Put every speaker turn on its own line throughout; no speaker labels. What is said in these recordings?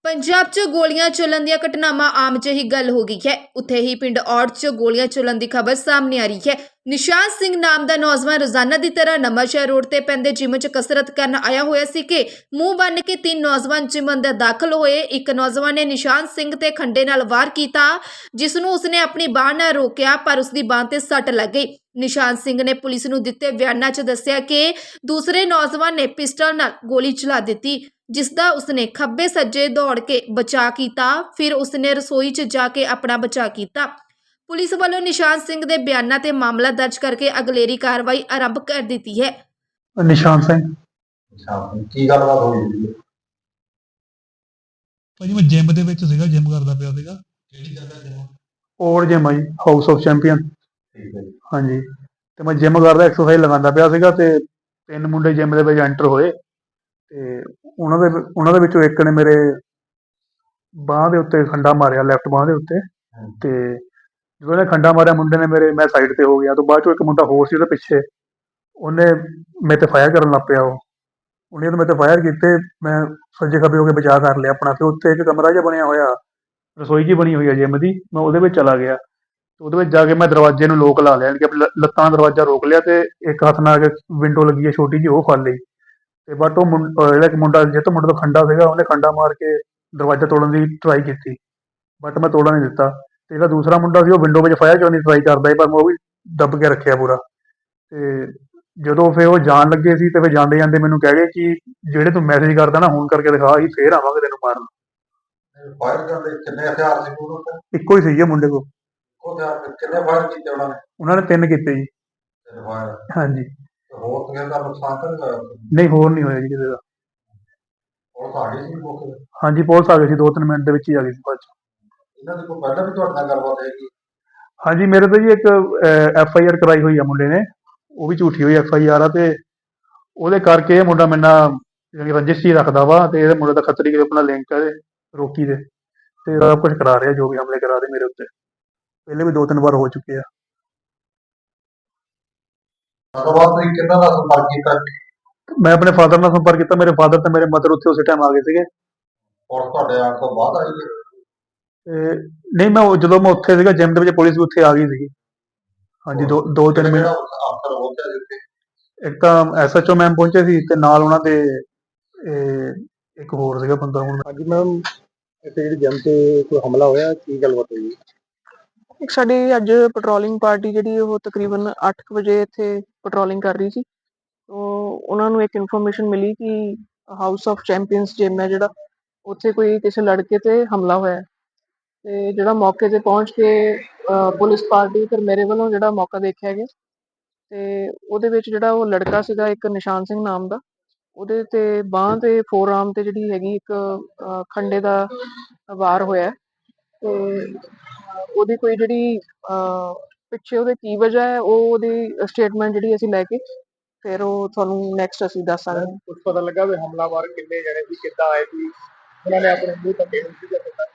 ਪੰਜਾਬ 'ਚ ਗੋਲੀਆਂ ਚੱਲਣ ਦੀਆਂ ਘਟਨਾਵਾਂ ਆਮ ਜਿਹੀ ਗੱਲ ਹੋ ਗਈ ਹੈ। ਉੱਥੇ ਹੀ ਪਿੰਡ ਔੜ 'ਚ ਗੋਲੀਆਂ ਚੱਲਣ ਦੀ ਖਬਰ ਸਾਹਮਣੇ ਆ ਰਹੀ ਹੈ। ਨਿਸ਼ਾਨ ਸਿੰਘ ਨਾਮ ਦਾ ਨੌਜਵਾਨ ਰੋਜ਼ਾਨਾ ਦੀ ਤਰ੍ਹਾਂ ਨਵਾਂਸ਼ਹਿਰ ਰੋਡ ਤੇ ਪੈਂਦੇ ਜਿਮ 'ਚ ਕਸਰਤ ਕਰਨ ਆਇਆ ਹੋਇਆ ਸੀ ਕਿ ਮੂੰਹ ਬੰਨ ਕੇ 3 ਨੌਜਵਾਨ ਜਿਮ ਅੰਦਰ ਦਾਖਲ ਹੋਏ। ਇੱਕ ਨੌਜਵਾਨ ਨੇ ਨਿਸ਼ਾਨ ਸਿੰਘ ਤੇ ਖੰਡੇ ਨਾਲ ਵਾਰ ਕੀਤਾ, ਜਿਸ ਨੂੰ ਉਸਨੇ ਆਪਣੀ ਬਾਹ ਨਾਲ ਰੋਕਿਆ, ਪਰ ਉਸਦੀ ਬਾਹ ਤੇ ਸੱਟ ਲੱਗ ਗਈ। ਨਿਸ਼ਾਨ ਸਿੰਘ ਨੇ ਪੁਲਿਸ ਨੂੰ ਦਿੱਤੇ ਬਿਆਨਾਂ 'ਚ ਦੱਸਿਆ ਕਿ ਦੂਸਰੇ ਨੌਜਵਾਨ ਨੇ ਪਿਸਟਲ ਨਾਲ ਗੋਲੀ ਚਲਾ ਦਿੱਤੀ, ਜਿਸ ਦਾ ਉਸਨੇ ਖੱਬੇ ਸੱਜੇ ਦੌੜ ਕੇ ਬਚਾਅ ਕੀਤਾ। ਫਿਰ ਉਸਨੇ ਰਸੋਈ 'ਚ ਜਾ ਕੇ ਆਪਣਾ ਬਚਾਅ ਕੀਤਾ। ਪੁਲਿਸ ਵੱਲੋਂ ਨਿਸ਼ਾਨ ਸਿੰਘ ਦੇ ਬਿਆਨਾਂ ਤੇ ਮਾਮਲਾ ਦਰਜ ਕਰਕੇ ਅਗਲੇਰੀ ਕਾਰਵਾਈ ਆਰੰਭ ਕਰ ਦਿੱਤੀ ਹੈ।
ਨਿਸ਼ਾਨ ਸਿੰਘ
ਕੀ ਗੱਲਬਾਤ ਹੋਈ ਸੀ?
ਭਾਜੀ ਮੈਂ ਜਿਮ ਦੇ ਵਿੱਚ ਸੀਗਾ, ਜਿਮ ਕਰਦਾ ਪਿਆ ਸੀਗਾ।
ਕਿਹੜੀ ਜਗ੍ਹਾ ਤੇ?
ਔਰ ਜਿਮ ਆ ਜੀ, ਹਾਊਸ ਆਫ ਚੈਂਪੀਅਨ।
ਠੀਕ ਹੈ ਜੀ।
ਹਾਂਜੀ, ਤੇ ਮੈਂ ਜਿਮ ਕਰਦਾ, ਐਕਸਰਸਾਈਜ਼ ਲਗਾਉਂਦਾ ਪਿਆ ਸੀਗਾ ਤੇ 3 ਮੁੰਡੇ ਜਿਮ ਦੇ ਵਿੱਚ ਐਂਟਰ ਹੋਏ ਤੇ ਉਹਨਾਂ ਦੇ ਵਿੱਚੋਂ ਇੱਕ ਨੇ ਮੇਰੇ ਬਾਂਹ ਦੇ ਉੱਤੇ ਖੰਡਾ ਮਾਰਿਆ, ਲੈਫਟ ਬਾਂਹ ਦੇ ਉੱਤੇ। ਤੇ ਜਦੋਂ ਉਹਨੇ ਖੰਡਾ ਮਾਰਿਆ ਮੁੰਡੇ ਨੇ ਮੈਂ ਸਾਈਡ ਤੇ ਹੋ ਗਿਆ। ਤੋਂ ਬਾਅਦ ਚੋਂ ਇੱਕ ਮੁੰਡਾ ਹੋਰ ਸੀ ਉਹਦੇ ਪਿੱਛੇ, ਉਹਨੇ ਮੇਰੇ ਤੇ ਫਾਇਰ ਕਰਨ ਲੱਗ ਪਿਆ। ਉਹਨੇ ਤਾਂ ਮੇਰੇ ਤੇ ਫਾਇਰ ਕੀਤੇ, ਮੈਂ ਸੱਜੇ ਖੱਬੇ ਹੋ ਕੇ ਬਚਾਅ ਕਰ ਲਿਆ ਆਪਣਾ। ਫਿਰ ਉੱਥੇ ਇੱਕ ਕਮਰਾ ਜਿਹਾ ਬਣਿਆ ਹੋਇਆ, ਰਸੋਈ ਜਿਹੀ ਬਣੀ ਹੋਈ ਹੈ ਜਿਮ ਦੀ, ਮੈਂ ਉਹਦੇ ਵਿੱਚ ਚਲਾ ਗਿਆ। ਉਹਦੇ ਵਿੱਚ ਜਾ ਕੇ ਮੈਂ ਦਰਵਾਜ਼ੇ ਨੂੰ ਲੋਕ ਲਾ ਲਿਆ, ਕਿ ਆਪਣੀ ਲੱਤਾਂ ਨਾਲ ਦਰਵਾਜ਼ਾ ਰੋਕ ਲਿਆ ਤੇ ਇੱਕ ਹੱਥ ਨਾਲ ਵਿੰਡੋ ਲੱਗੀ ਹੈ ਛੋਟੀ ਜਿਹੀ, ਉਹ ਫੜ ਲਈ। ਤੇ ਬਟ ਉਹ ਜਿਹੜਾ ਇੱਕ ਮੁੰਡਾ ਜਿਹ ਮੁੰਡੇ ਤੋਂ ਖੰਡਾ ਸੀਗਾ, ਉਹਨੇ ਖੰਡਾ ਮਾਰ ਕੇ ਦਰਵਾਜ਼ਾ ਤੋੜਨ ਦੀ ਟਰਾਈ ਕੀਤੀ, ਬਟ ਮੈਂ ਤੋੜਨ ਨਹੀਂ ਦਿੱਤਾ। ਤੇ ਜਿਹੜਾ ਦੂਸਰਾ ਮੁੰਡਾ ਸੀ ਉਹ ਵਿੰਡੋ ਵਿੱਚ ਫਾਇਰ ਕਰਨ ਦੀ ਟਰਾਈ ਕਰਦਾ ਸੀ, ਪਰ ਮੈਂ ਉਹ ਵੀ ਦੱਬ ਕੇ ਰੱਖਿਆ ਪੂਰਾ। ਤੇ ਜਦੋਂ ਫਿਰ ਉਹ ਜਾਣ ਲੱਗੇ ਸੀ ਤੇ ਫਿਰ ਜਾਂਦੇ ਜਾਂਦੇ ਮੈਨੂੰ ਕਹਿ ਗਏ ਕਿ ਜਿਹੜੇ ਤੂੰ ਮੈਸੇਜ ਕਰਦਾ ਨਾ, ਹੁਣ ਕਰਕੇ ਦਿਖਾ, ਅਸੀਂ ਫੇਰ ਆਵਾਂਗੇ ਤੈਨੂੰ ਮਾਰਨ।
ਫਾਇਰ ਕਰਦੇ ਕਿੰਨੇ ਹਥਿਆਰ ਸੀ ਕੋਲ?
ਇੱਕੋ ਹੀ ਸੀਗੇ ਮੁੰਡੇ ਕੋਲ।
ਉਹ ਹਥਿਆਰ ਕਿੰਨੇ ਫਾਇਰ ਕੀਤੇ ਉਹਨਾਂ ਨੇ?
ਉਹਨਾਂ ਨੇ 3 ਕੀਤੇ ਜੀ।
3 ਫਾਇਰ।
ਹਾਂਜੀ।
ਹੋਰ ਕਿਸੇ ਦਾ ਨੁਕਸਾਨ ਤਾਂ ਨਹੀਂ ਹੋਇਆ?
ਨਹੀਂ, ਹੋਰ ਨਹੀਂ ਹੋਇਆ ਜੀ ਕਿਸੇ ਦਾ।
ਉਹ ਸਾਡੀ ਸੀ ਮੌਕੇ ਤੇ?
ਹਾਂਜੀ, ਪੁਲਿਸ ਆ ਗਈ ਸੀ, 2-3 ਮਿੰਟ ਦੇ ਵਿੱਚ ਹੀ ਆ ਗਈ ਸੀ ਬਾਅਦ 'ਚ।
ਇਹਨਾਂ ਦੀ ਕੋਈ ਪਹਿਲਾਂ ਵੀ ਤੁਹਾਡੇ ਨਾਲ ਗੱਲਬਾਤ ਹੈਗੀ?
ਹਾਂਜੀ, ਮੇਰੇ ਤੇ ਜੀ ਇੱਕ FIR ਕਰਾਈ ਹੋਈ ਆ ਮੁੰਡੇ ਨੇ, ਉਹ ਵੀ ਝੂਠੀ ਹੋਈ FIR ਆ। ਤੇ ਉਹਦੇ ਕਰਕੇ ਇਹ ਮੁੰਡਾ ਮੇਰੇ ਨਾਲ ਰੰਜਿਸ਼ ਹੀ ਰੱਖਦਾ ਵਾ, ਤੇ ਇਹਦੇ ਮੁੰਡੇ ਦਾ ਖੱਤਰੀ ਕੇ ਆਪਣਾ ਲਿੰਕ ਹੈ ਰੋਕੀ ਦੇ, ਤੇ ਸਭ ਕੁਛ ਕਰਾ ਰਿਹਾ, ਜੋ ਵੀ ਹਮਲੇ ਕਰਾ ਰਹੇ ਮੇਰੇ ਉੱਤੇ। ਪਹਿਲੇ ਵੀ 2-3 ਵਾਰ ਹੋ ਚੁੱਕੇ ਆ।
ਗੱਲਬਾਤ ਤੁਸੀਂ ਕਿਹਨਾਂ ਦਾ ਸੰਪਰਕ ਕੀਤਾ?
ਮੈਂ ਆਪਣੇ ਫਾਦਰ ਨਾਲ ਸੰਪਰਕ ਕੀਤਾ। ਮੇਰੇ ਫਾਦਰ ਤੇ ਮੇਰੇ ਮਦਰ ਉੱਥੇ ਉਸੇ ਟਾਈਮ ਆ ਗਏ ਸੀਗੇ।
ਔਰ ਤੁਹਾਡੇ ਆਉਣ ਤੋਂ ਬਾਅਦ ਆਈ ਹੈ?
ਤੇ ਨਹੀਂ, ਜਦੋਂ ਮੈਂ ਉੱਥੇ ਸੀਗਾ ਜਿਮ ਦੇ ਵਿੱਚ, ਪੁਲਿਸ ਵੀ ਉੱਥੇ ਆ ਗਈ ਸੀਗੀ। ਹਾਂਜੀ, 2-3 ਮਿੰਟ।
ਅਫਸਰ ਪਹੁੰਚਿਆ ਸੀ ਉੱਥੇ?
ਇੱਕ ਤਾਂ SHO ਮੈਮ ਪਹੁੰਚੇ ਸੀ ਤੇ ਨਾਲ ਉਹਨਾਂ ਦੇ ਇੱਕ ਹੋਰ ਸੀਗਾ ਬੰਦਾ। ਹੁਣ
ਹਾਂਜੀ ਮੈਮ, ਇੱਥੇ ਜਿਹੜੀ ਜਿਮ ਤੇ ਕੋਈ ਹਮਲਾ ਹੋਇਆ, ਕੀ ਗੱਲਬਾਤ ਹੋਈ?
ਇੱਕ ਸਾਡੀ ਅੱਜ ਪੈਟਰੋਲਿੰਗ ਪਾਰਟੀ ਜਿਹੜੀ ਉਹ ਤਕਰੀਬਨ 8 ਵਜੇ ਇੱਥੇ ਪੈਟਰੋਲਿੰਗ ਕਰ ਰਹੀ ਸੀ। ਉਹਨਾਂ ਨੂੰ ਇੱਕ ਇਨਫੋਰਮੇਸ਼ਨ ਮਿਲੀ ਕਿ ਹਾਊਸ ਆਫ ਚੈਂਪੀਅਨਸ ਜਿਮ ਹੈ ਜਿਹੜਾ, ਉੱਥੇ ਕੋਈ ਕਿਸੇ ਲੜਕੇ ਤੇ ਹਮਲਾ ਹੋਇਆ। ਤੇ ਜਿਹੜਾ ਮੌਕੇ ਤੇ ਪਹੁੰਚ ਕੇ ਪੁਲਿਸ ਪਾਰਟੀ, ਫਿਰ ਮੇਰੇ ਵੱਲੋਂ ਜਿਹੜਾ ਮੌਕਾ ਦੇਖਿਆ ਗਿਆ, ਤੇ ਉਹਦੇ ਵਿੱਚ ਜਿਹੜਾ ਉਹ ਲੜਕਾ ਸੀਗਾ ਇੱਕ ਨਿਸ਼ਾਨ ਸਿੰਘ ਨਾਮ ਦਾ, ਉਹਦੇ ਤੇ ਬਾਂਹ ਤੇ ਫੋਰਆਰਮ ਤੇ ਜਿਹੜੀ ਹੈਗੀ ਇੱਕ ਖੰਡੇ ਦਾ ਵਾਰ ਹੋਇਆ। ਤੇ ਉਹਦੀ ਕੋਈ ਜਿਹੜੀ ਪਿੱਛੇ ਉਹਦੇ ਕੀ ਵਜ੍ਹਾ ਹੈ, ਉਹਦੀ ਸਟੇਟਮੈਂਟ ਜਿਹੜੀ ਅਸੀਂ ਲੈ ਕੇ ਫਿਰ ਉਹ ਤੁਹਾਨੂੰ ਨੈਕਸਟ ਅਸੀਂ ਦੱਸ ਸਕਦੇ ਹਾਂ।
ਕੁਝ ਪਤਾ ਲੱਗਾ ਵੀ ਹਮਲਾਵਰ ਕਿੰਨੇ ਜਣੇ ਸੀ, ਕਿੱਦਾਂ ਆਏ ਸੀ, ਉਹਨਾਂ ਨੇ ਆਪਣੇ ਮੂੰਹ ਢੱਕੇ ਹੋਏ ਸੀ ਜਾਂ ਕਿੱਦਾਂ?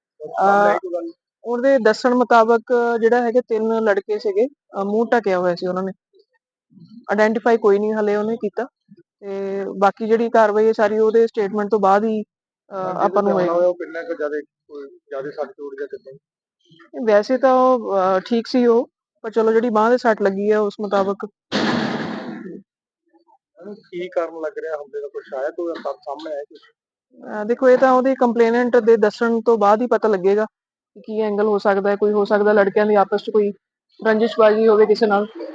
ਉਹਦੇ ਦੱਸਣ ਮੁਤਾਬਕ ਜਿਹੜਾ ਹੈਗੇ 3 ਲੜਕੇ ਸੀਗੇ, ਮੂੰਹ ਢਕਿਆ ਹੋਇਆ ਸੀ ਉਹਨਾਂ ਨੇ। ਆਇਡੈਂਟੀਫਾਈ ਕੋਈ ਨਹੀਂ ਹਲੇ ਉਹਨੇ ਕੀਤਾ, ਤੇ ਬਾਕੀ ਜਿਹੜੀ ਕਾਰਵਾਈ ਹੈ ਸਾਰੀ ਉਹਦੇ ਸਟੇਟਮੈਂਟ ਤੋਂ ਬਾਅਦ ਹੀ ਆਪਾਂ ਨੂੰ ਹੋਏਗਾ।
ਉਹ ਕਿੰਨਾ ਕੁ ਜ਼ਿਆਦਾ ਸੱਟ ਚੋਟ ਜਾਂ ਕਿੱਦਾਂ?
ਵੈਸੇ ਤਾਂ ਉਹ ਠੀਕ ਸੀ ਉਹ, ਪਰ ਚਲੋ ਜਿਹੜੀ ਬਾਂਹ ਦੇ ਸੱਟ ਲੱਗੀ ਹੈ ਉਸ ਮੁਤਾਬਕ।
ਕੀ ਕਾਰਨ ਲੱਗ ਰਿਹਾ ਹਮਲੇ ਦਾ, ਕੁਛ ਆਇਆ ਕੋਈ ਸਾਹਮਣੇ ਆਇਆ ਕੁਛ?
ਦੇਖੋ, ਇਹ ਤਾਂ ਉਹਦੀ ਕੰਪਲੇਨੈਂਟ ਦੇ ਦੱਸਣ ਤੋਂ ਬਾਅਦ ਹੀ ਪਤਾ ਲੱਗੇਗਾ ਕਿ ਕੀ ਐਂਗਲ ਹੋ ਸਕਦਾ ਹੈ। ਕੋਈ ਹੋ ਸਕਦਾ ਲੜਕਿਆਂ ਦੀ ਆਪਸ 'ਚ ਕੋਈ ਰੰਜਿਸ਼ਬਾਜ਼ੀ ਹੋਵੇ ਕਿਸੇ ਨਾਲ,